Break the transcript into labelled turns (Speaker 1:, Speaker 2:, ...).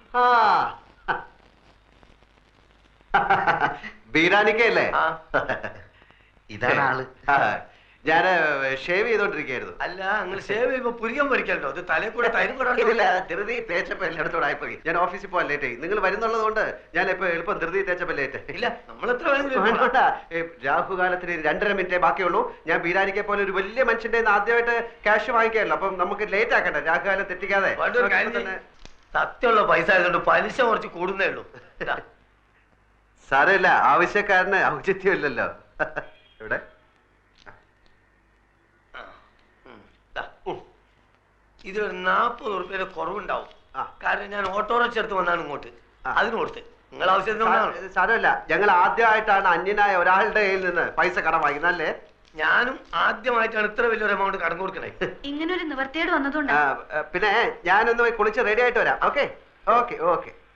Speaker 1: ബീരാനിക്കല്ലേ? ഇതാണ് ആള്. ഞാൻ ഷേവ് ചെയ്തോണ്ടിരിക്കുകയായിരുന്നു.
Speaker 2: അല്ല, നിങ്ങൾ ഷേവ് ചെയ്യുമ്പോ പുരികം പൊരിക്കല്ലോ, അത് തലയിൽ കൂടെ തൈരും കൂടെ
Speaker 1: ധൃതി തേച്ചപ്പോ എല്ലായിടത്തോടെ ആയിപ്പോയി. ഞാൻ ഓഫീസിൽ പോകാൻ ലേറ്റ് ആയി. നിങ്ങൾ വരുന്നുള്ളത് കൊണ്ട് ഞാൻ ഇപ്പൊ എളുപ്പം ധൃതി തേച്ചപ്പോ ലേറ്റ്.
Speaker 2: ഇല്ല, നമ്മൾ എത്ര
Speaker 1: രാഹുകാലത്തിന് 2.5 മിനിറ്റേ ബാക്കിയുള്ളൂ. ഞാൻ ബീരാനിക്കെ പോലെ ഒരു വലിയ മനുഷ്യന്റെ ആദ്യമായിട്ട് ക്യാഷ് വാങ്ങിക്കാമല്ലോ. അപ്പം നമുക്ക് ലേറ്റ് ആക്കട്ടെ, രാഹുകാലം തെറ്റിക്കാതെ.
Speaker 2: സത്യമുള്ള പൈസ ആയതുകൊണ്ട് പലിശ കുറച്ച് കൂടുന്നേ ഉള്ളൂ.
Speaker 1: സാരമില്ല, ആവശ്യക്കാരന് ഔചിത്യമില്ലല്ലോ. ഇവിടെ
Speaker 2: ഇതൊരു 40 ഉറുപ്പ്യയുടെ കുറവുണ്ടാവും. കാരണം ഞാൻ ഓട്ടോറിക്ഷ എടുത്ത് വന്നാണ് ഇങ്ങോട്ട്, അതിന് കൊടുത്ത്. നിങ്ങൾ ആവശ്യത്തിന്
Speaker 1: സാരമില്ല, ഞങ്ങൾ ആദ്യമായിട്ടാണ് അന്യനായ ഒരാളുടെ കയ്യിൽ നിന്ന് പൈസ കടം വാങ്ങിക്കുന്നല്ലേ.
Speaker 2: ഞാനും ആദ്യമായിട്ടാണ് ഇത്ര വലിയൊരു എമൗണ്ട് കടം കൊടുക്കണേ.
Speaker 3: ഇങ്ങനെ ഒരു നിവർത്തിയോട് വന്നതുകൊണ്ട്
Speaker 1: പിന്നെ ഞാനൊന്ന് കുളിച്ച് റെഡി ആയിട്ട് വരാം. Okay okay okay.